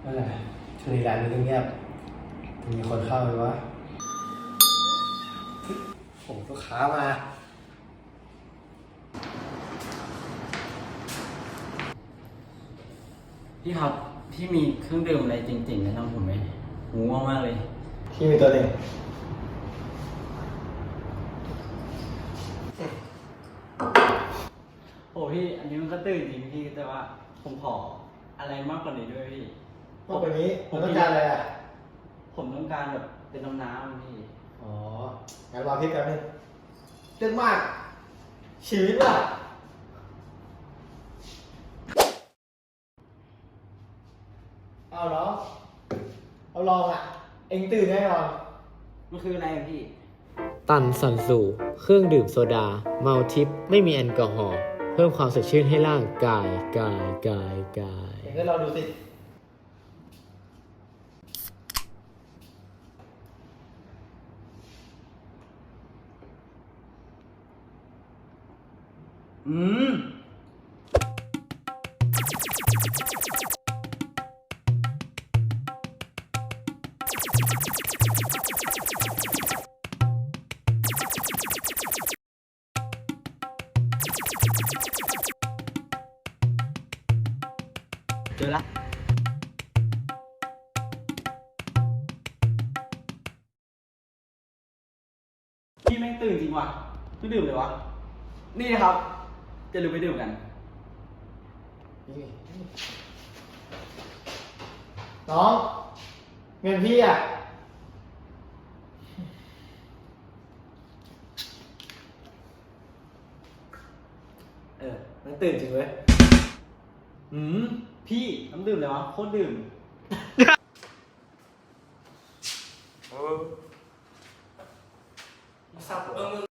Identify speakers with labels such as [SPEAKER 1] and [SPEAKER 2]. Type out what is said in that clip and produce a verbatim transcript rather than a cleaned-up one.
[SPEAKER 1] นั่นแหละช่วงนี้ร้านมันเงียบมีคนเข้าไหมวะผมลูกค้ามา
[SPEAKER 2] พี่ครับพี่มีเครื่องดื่มอะไรจริงๆแนะนำผมไหมหูว่ามากเลย
[SPEAKER 1] พี่มีตัวหนึ่ง
[SPEAKER 2] โอ้พี่อันนี้มันก็ตื่นจริงพี่แต่ว่าผมขออะไรมากกว่านี้ด้วยพี่
[SPEAKER 1] มากกว่านี้ผมต้องการอะไรอ่ะ
[SPEAKER 2] ผมต้องการแบบเป็นน้ำน้ำพี่
[SPEAKER 1] อ๋องั้นรอพี่แป๊บนึงเรื่องมากชีวิตว่ะเอาเหรอเอาลองอ่ะเอ็งตื่นแน่นอน
[SPEAKER 2] มันคืออะไรอะพี่
[SPEAKER 3] ตันซันซูเครื่องดื่มโซดาเมาทิปไม่มีแอลกอฮอล์เพิ่มความสดชื่นให้ร่างกายกายกายกาย
[SPEAKER 1] เอ็งก็ลองดูสิ
[SPEAKER 2] อืมเจอละพี่แม่งตื่นจริงว่ะไม่ดื่มเลยวะนี่นะครับจะลืมไปดื่มกัน
[SPEAKER 1] นี่น้องเงินพี่อ่ะเออมันตื่นจริงเว้ย
[SPEAKER 2] อืมพี่น้ำดื่มเลยวะโคตรดื่ม
[SPEAKER 1] สับเออ